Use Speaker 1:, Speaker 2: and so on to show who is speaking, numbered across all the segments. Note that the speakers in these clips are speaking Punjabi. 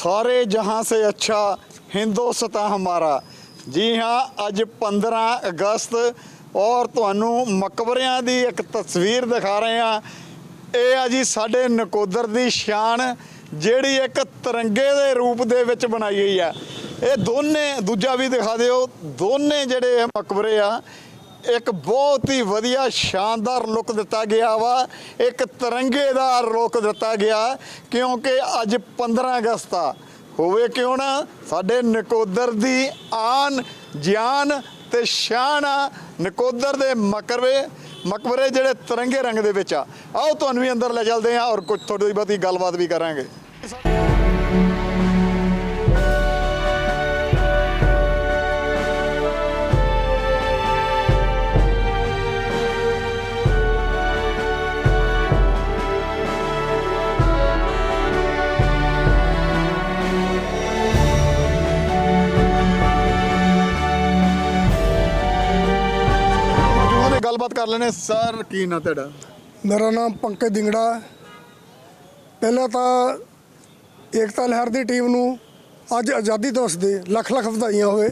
Speaker 1: सारे जहां से अच्छा हिंदुस्तान हमारा। जी हाँ, अज 15 अगस्त और तुहानू मकबरियां दी एक तस्वीर दिखा रहे हैं। ये आ जी साडे नकोदर दी शान जिहड़ी एक तिरंगे दे रूप दे विच बनाई गई है। ये दोने दूजा भी दिखा दिओ, दोने जिहड़े मकबरे आ एक बहुत ही वधिया शानदार लुक दिता गया वा, एक तिरंगेदार लुक दिता गया क्योंकि अज 15 अगस्त आ। होवे क्यों ना, साडे नकोदर दी आन जान ते शान आ नकोदर दे मकबरे जिहड़े तिरंगे रंग दे विच आ। आओ तुहानू भी अंदर ले चलदे आ और कुछ थोड़ी बहुती गलबात भी करांगे। गलबात कर लेने। सर की ना तेरा?
Speaker 2: मेरा नाम पंकज दिंगड़ा। पहले तो एकता लहर की टीम नू अज आज़ादी दिवस दी लख लख वधाइयां होवे।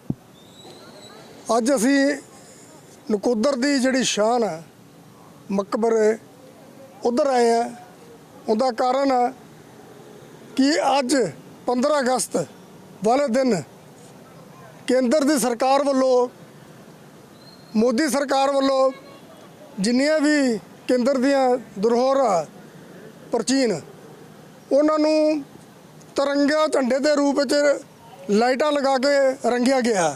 Speaker 2: अज असी नकोदर की जिहड़ी शान है मकबरे उधर आए हैं। उनका कारण है कि अज 15 अगस्त वाले दिन केंद्र की सरकार वालों, मोदी सरकार वालों जिन्नियां भी केंद्र दियां धरोहर प्राचीन उन्होंने तिरंगा झंडे के रूप में लाइटां लगा के रंगिया गया।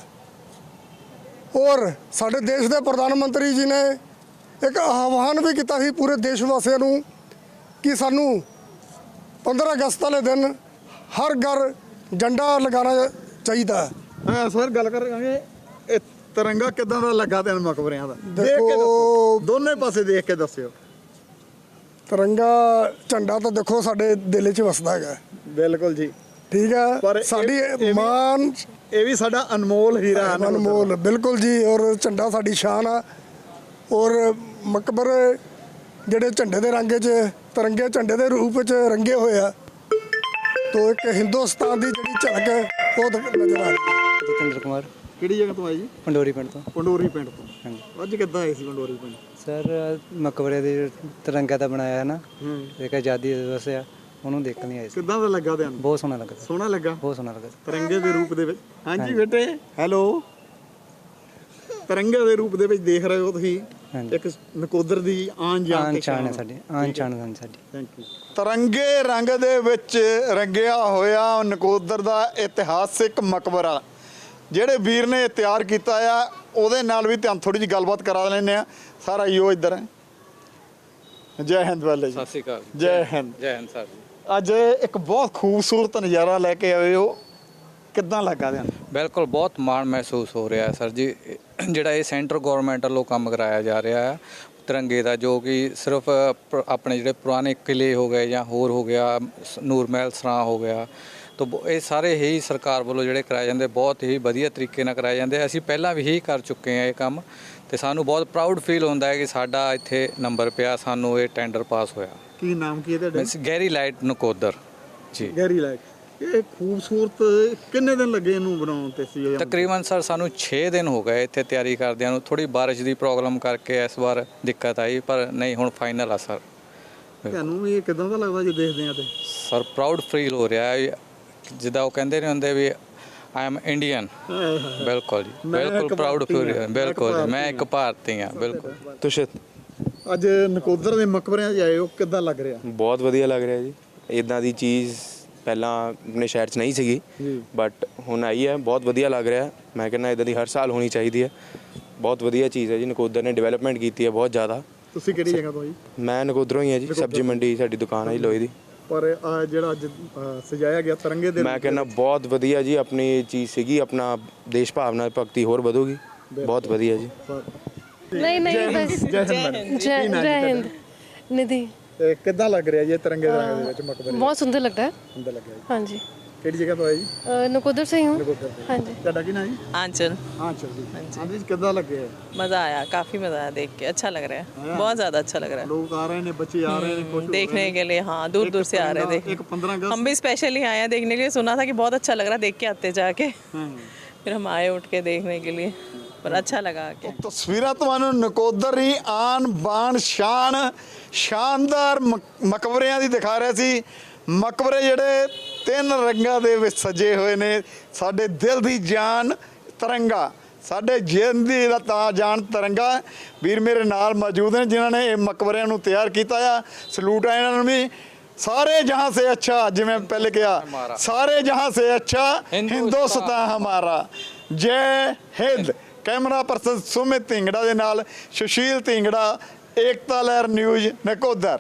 Speaker 2: और साडे देश के प्रधानमंत्री जी ने एक आह्वान भी किया ਸੀ पूरे देशवासियों को कि सानू 15 अगस्त वाले दिन हर घर झंडा लगाना चाहिए।
Speaker 1: हाँ सर, गल करांगे तिरंगा किदां दा लगा तेन मकबरियां दा?
Speaker 2: देखो
Speaker 1: दोने पासे देख के दस्सिओ।
Speaker 2: तिरंगा झंडा तो देखो साडे दिल च वसदा है।
Speaker 1: बिल्कुल जी,
Speaker 2: ठीक है।
Speaker 1: पर
Speaker 2: साडी मान
Speaker 1: ये भी साडा अनमोल हीरा है।
Speaker 2: अनमोल बिल्कुल जी। और झंडा साडी शान आ। और मकबरे जिहड़े झंडे दे रंग च तिरंगे झंडे दे रूप च रंगे होए आ, तो एक हिंदुस्तान दी जिहड़ी झलक है वो नज़र आ रही है।
Speaker 3: जतिंद्र कुमार
Speaker 1: ਕਿਹੜੀ ਜਗ੍ਹਾ ਤੋਂ ਆਏ ਜੀ?
Speaker 3: पंडोरी पिंड तो।
Speaker 1: ਪੰਡੋਰੀ ਪਿੰਡ ਤੋਂ।
Speaker 3: ਹਾਂਜੀ
Speaker 1: ਅੱਜ ਕਿੱਦਾਂ ਆਏ ਸੀ ਪੰਡੋਰੀ ਪਿੰਡ?
Speaker 3: सर मकबरे ਦੇ ਤਿਰੰਗਾ ਦਾ ਬਣਾਇਆ ਹੈ ਨਾ, ਇੱਕ ਆਜ਼ਾਦੀ ਦਿਵਸ ਆ, ਉਹਨੂੰ ਦੇਖਣ ਲਈ ਆਏ ਸੀ।
Speaker 1: ਕਿੱਦਾਂ ਦਾ ਲੱਗਾ ਤੁਹਾਨੂੰ?
Speaker 3: ਬਹੁਤ ਸੋਹਣਾ ਲੱਗਾ ਸਰ,
Speaker 1: ਸੋਹਣਾ ਲੱਗਾ,
Speaker 3: ਬਹੁਤ ਸੋਹਣਾ ਲੱਗਾ।
Speaker 1: ਤਿਰੰਗੇ ਦੇ ਰੂਪ ਦੇ ਵਿੱਚ। ਹਾਂਜੀ ਬੇਟੇ, ਹੈਲੋ। ਤਿਰੰਗੇ ਦੇ ਰੂਪ ਦੇ ਵਿੱਚ ਦੇਖ ਰਹੇ ਹੋ ਤੁਸੀਂ ਇੱਕ ਨਕੋਦਰ ਦੀ ਆਨ ਜਾਨ ਤੇ
Speaker 3: ਸ਼ਾਨ ਹੈ ਸਾਡੀ, ਆਨ ਸ਼ਾਨ ਹੈ ਸਾਡੀ।
Speaker 1: Thank you. ਤਿਰੰਗੇ ਰੰਗ ਦੇ ਵਿੱਚ ਰੰਗਿਆ ਹੋਇਆ ਨਕੋਦਰ ਦਾ ਇਤਿਹਾਸਿਕ ਮਕਬਰਾ ਜਿਹੜੇ ਵੀਰ ਨੇ ਤਿਆਰ ਕੀਤਾ ਆ, ਉਹਦੇ ਨਾਲ ਵੀ ਤੁਹਾਨੂੰ ਥੋੜੀ ਜਿਹੀ ਗੱਲਬਾਤ ਕਰਾ ਲੈਂਦੇ ਆ। ਸਾਰਾ ਯੋ ਇੱਧਰ ਹੈ। ਜੈ ਹਿੰਦ ਵਾਲੇ ਜੀ।
Speaker 4: ਸਤਿ ਸ਼੍ਰੀ ਅਕਾਲ।
Speaker 1: ਜੈ ਹਿੰਦ।
Speaker 4: ਜੈ ਹਿੰਦ ਸਰ ਜੀ।
Speaker 1: ਅੱਜ ਇੱਕ ਬਹੁਤ ਖੂਬਸੂਰਤ ਨਜ਼ਾਰਾ ਲੈ ਕੇ ਆਏ ਹੋ, ਕਿੱਦਾਂ ਲੱਗਾ ਤੁਹਾਨੂੰ?
Speaker 4: ਬਿਲਕੁਲ ਬਹੁਤ ਮਾਣ ਮਹਿਸੂਸ ਹੋ ਰਿਹਾ ਹੈ ਸਰ ਜੀ। ਜਿਹੜਾ ਇਹ ਸੈਂਟਰ ਗਵਰਨਮੈਂਟ ਵੱਲੋਂ ਕੰਮ ਕਰਾਇਆ ਜਾ ਰਿਹਾ ਹੈ ਤਿਰੰਗੇ ਦਾ, ਜੋ ਕਿ ਸਿਰਫ ਆਪਣੇ ਜਿਹੜੇ ਪੁਰਾਣੇ ਕਿਲੇ ਹੋ ਗਏ ਜਾਂ ਹੋਰ ਹੋ ਗਿਆ, ਨੂਰ ਮਹਿਲ ਸਰਾਂ ਹੋ ਗਿਆ, ਤਾਂ ਇਹ ਸਾਰੇ ਹੀ ਸਰਕਾਰ ਵੱਲੋਂ ਜਿਹੜੇ ਕਰਾਏ ਜਾਂਦੇ ਬਹੁਤ ਹੀ ਵਧੀਆ ਤਰੀਕੇ ਨਾਲ ਕਰਾਏ ਜਾਂਦੇ। ਅਸੀਂ ਪਹਿਲਾਂ ਵੀ ਹੀ ਕਰ ਚੁੱਕੇ ਹਾਂ ਇਹ ਕੰਮ, ਤੇ ਸਾਨੂੰ ਬਹੁਤ ਪ੍ਰਾਊਡ ਫੀਲ ਹੁੰਦਾ ਹੈ ਕਿ ਸਾਡਾ ਇੱਥੇ ਨੰਬਰ ਪਿਆ, ਸਾਨੂੰ ਇਹ ਟੈਂਡਰ ਪਾਸ ਹੋਇਆ।
Speaker 1: ਕੀ ਨਾਮ ਕੀ ਹੈ ਤੁਹਾਡਾ?
Speaker 4: ਗਹਿਰੀ ਲਾਈਟ ਨਕੋਦਰ ਜੀ।
Speaker 1: ਗਹਿਰੀ ਲਾਈਟ। ਇਹ ਖੂਬਸੂਰਤ ਕਿੰਨੇ ਦਿਨ ਲੱਗੇ ਇਹਨੂੰ ਬਣਾਉਣ ਤੇ ਸੀ?
Speaker 4: ਤਕਰੀਬਨ ਸਰ ਸਾਨੂੰ 6 ਦਿਨ ਹੋ ਗਏ ਇੱਥੇ ਤਿਆਰੀ ਕਰਦਿਆਂ ਨੂੰ। ਥੋੜੀ ਬਾਰਿਸ਼ ਦੀ ਪ੍ਰੋਬਲਮ ਕਰਕੇ ਇਸ ਵਾਰ ਦਿੱਕਤ ਆਈ, ਪਰ ਨਹੀਂ ਹੁਣ ਫਾਈਨਲ ਆ ਸਰ।
Speaker 1: ਤੁਹਾਨੂੰ ਵੀ ਇਹ ਕਿਦਾਂ ਦਾ ਲੱਗਦਾ ਜੇ ਦੇਖਦੇ ਆ ਤੇ?
Speaker 4: ਸਰ ਪ੍ਰਾਊਡ ਫੀਲ ਹੋ ਰਿਹਾ ਹੈ, ਜਿੱਦਾਂ ਉਹ ਕਹਿੰਦੇ ਨੇ ਹੁੰਦੇ ਵੀ ਆਈ ਐਮ ਇੰਡੀਅਨ। ਬਿਲਕੁਲ ਜੀ, ਬਿਲਕੁਲ ਪ੍ਰਾਊਡ ਫੀਲ ਹੋ ਰਿਹਾ। ਬਿਲਕੁਲ ਮੈਂ ਇੱਕ ਭਾਰਤੀ ਹਾਂ। ਬਿਲਕੁਲ।
Speaker 5: ਤੁਸ਼ਿਤ
Speaker 1: ਅੱਜ ਨਕੋਦਰ ਦੇ ਮਕਬਰਿਆਂ 'ਚ ਆਏ ਹੋ, ਕਿੱਦਾਂ ਲੱਗ ਰਿਹਾ?
Speaker 5: ਬਹੁਤ ਵਧੀਆ ਲੱਗ ਰਿਹਾ ਜੀ। ਇਦਾਂ ਦੀ ਚੀਜ਼ ਪਹਿਲਾਂ ਆਪਣੇ ਸ਼ਹਿਰ 'ਚ ਨਹੀਂ ਸੀਗੀ, ਬਟ ਹੁਣ ਆਈ ਹੈ, ਬਹੁਤ ਵਧੀਆ ਲੱਗ ਰਿਹਾ। ਮੈਂ ਕਹਿੰਦਾ ਇਦਾਂ ਦੀ ਹਰ ਸਾਲ ਹੋਣੀ ਚਾਹੀਦੀ ਹੈ। ਬਹੁਤ ਵਧੀਆ ਚੀਜ਼ ਹੈ ਜੀ। ਨਕੋਦਰ ਨੇ ਡਿਵੈਲਪਮੈਂਟ ਕੀਤੀ ਹੈ ਬਹੁਤ ਜ਼ਿਆਦਾ।
Speaker 1: ਤੁਸੀਂ ਕਿਹੜੀ ਜਗ੍ਹਾ ਤੋਂ ਜੀ?
Speaker 5: ਮੈਂ ਨਕੋਦਰੋਂ ਹੀ ਹਾਂ ਜੀ। ਸਬਜ਼ੀ ਮੰਡੀ ਸਾਡੀ ਦੁਕਾਨ ਹੈ ਜੀ ਲੋਹੇ ਦੀ।
Speaker 1: ਪਰ ਜਿਹੜਾ ਅੱਜ ਸਜਾਇਆ ਗਿਆ ਤਿਰੰਗੇ ਦੇ,
Speaker 5: ਮੈਂ ਕਹਿੰਦਾ ਬਹੁਤ ਵਧੀਆ ਜੀ। ਆਪਣੀ ਚੀਜ਼ ਸੀਗੀ, ਆਪਣਾ ਦੇਸ਼ ਭਾਵਨਾ ਭਗਤੀ ਹੋਰ ਵਧੂਗੀ। ਬਹੁਤ ਵਧੀਆ ਜੀ।
Speaker 6: नहीं नहीं बस जय हिंद निधि।
Speaker 1: ਤੇ ਕਿੱਦਾਂ ਲੱਗ ਰਿਹਾ ਜੀ ਇਹ ਤਿਰੰਗੇ ਦੇ ਵਿੱਚ ਮਕਬਰੇ
Speaker 6: बहुत सुंदर लगता है।
Speaker 1: ਅੰਦਰ ਲੱਗਿਆ ਜੀ?
Speaker 6: हाँ जी।
Speaker 1: ਕਿਹੜੀ ਜਗ੍ਹਾ ਤੋਂ ਆਏ ਜੀ?
Speaker 6: नकोदर से ही हूँ। हाँ जी।
Speaker 1: ਤੁਹਾਡਾ ਕੀ ਨਾਮ ਜੀ?
Speaker 7: आंचल
Speaker 1: ਹਾਂ ਚਲ ਜੀ। ਹਾਂਜੀ ਕਿੱਦਾਂ ਲੱਗਿਆ?
Speaker 7: मज़ा आया, काफ़ी मज़ा आया देख के, अच्छा लग रहा है, बहुत ज़्यादा अच्छा लग रहा
Speaker 1: ਲੋਕ ਆ ਰਹੇ ਨੇ, ਬੱਚे आ रहे हैं, खुश
Speaker 7: है
Speaker 1: हो
Speaker 7: देखने
Speaker 1: रहे हैं।
Speaker 7: के लिए। हाँ, दूर दूर से आ रहे थे।
Speaker 1: एक 15 अगस्त
Speaker 7: हम भी स्पेशली आए हैं देखने के लिए, सुना था कि बहुत अच्छा लग रहा है, देख के आते जाके। फिर हम आए उठ के देखने के लिए, पर अच्छा लगा आके।
Speaker 1: ਤਸਵੀਰਾਂ ਤੁਹਾਨੂੰ ਨਕੋਦਰ ਦੀ ਆਨ ਬਾਨ ਸ਼ਾਨ ਸ਼ਾਨਦਾਰ ਮਕਬਰਿਆਂ ਦੀ ਦਿਖਾ ਰਿਹਾ ਸੀ। ਮਕਬਰੇ ਜਿਹੜੇ 3 ਰੰਗਾਂ ਦੇ ਵਿੱਚ ਸਜੇ ਹੋਏ ਨੇ। ਸਾਡੇ ਦਿਲ ਦੀ ਜਾਨ ਤਿਰੰਗਾ, ਸਾਡੇ ਜ਼ਿੰਦਗੀ ਦਾ ਤਾਂ ਜਾਨ ਤਿਰੰਗਾ। ਵੀਰ ਮੇਰੇ ਨਾਲ ਮੌਜੂਦ ਨੇ ਜਿਨ੍ਹਾਂ ਨੇ ਇਹ ਮਕਬਰਿਆਂ ਨੂੰ ਤਿਆਰ ਕੀਤਾ ਆ। ਸਲੂਟ ਆ ਇਹਨਾਂ ਨੂੰ ਵੀ। सारे जहां से अच्छा, जिवें पहले कहा, सारे जहां से अच्छा हिंदुस्तान हमारा। जय हिंद। कैमरा पर्सन सुमित ढिंगड़ा दे नाल सुशील ढिंगड़ा, एकता लहर न्यूज़ नकोदर।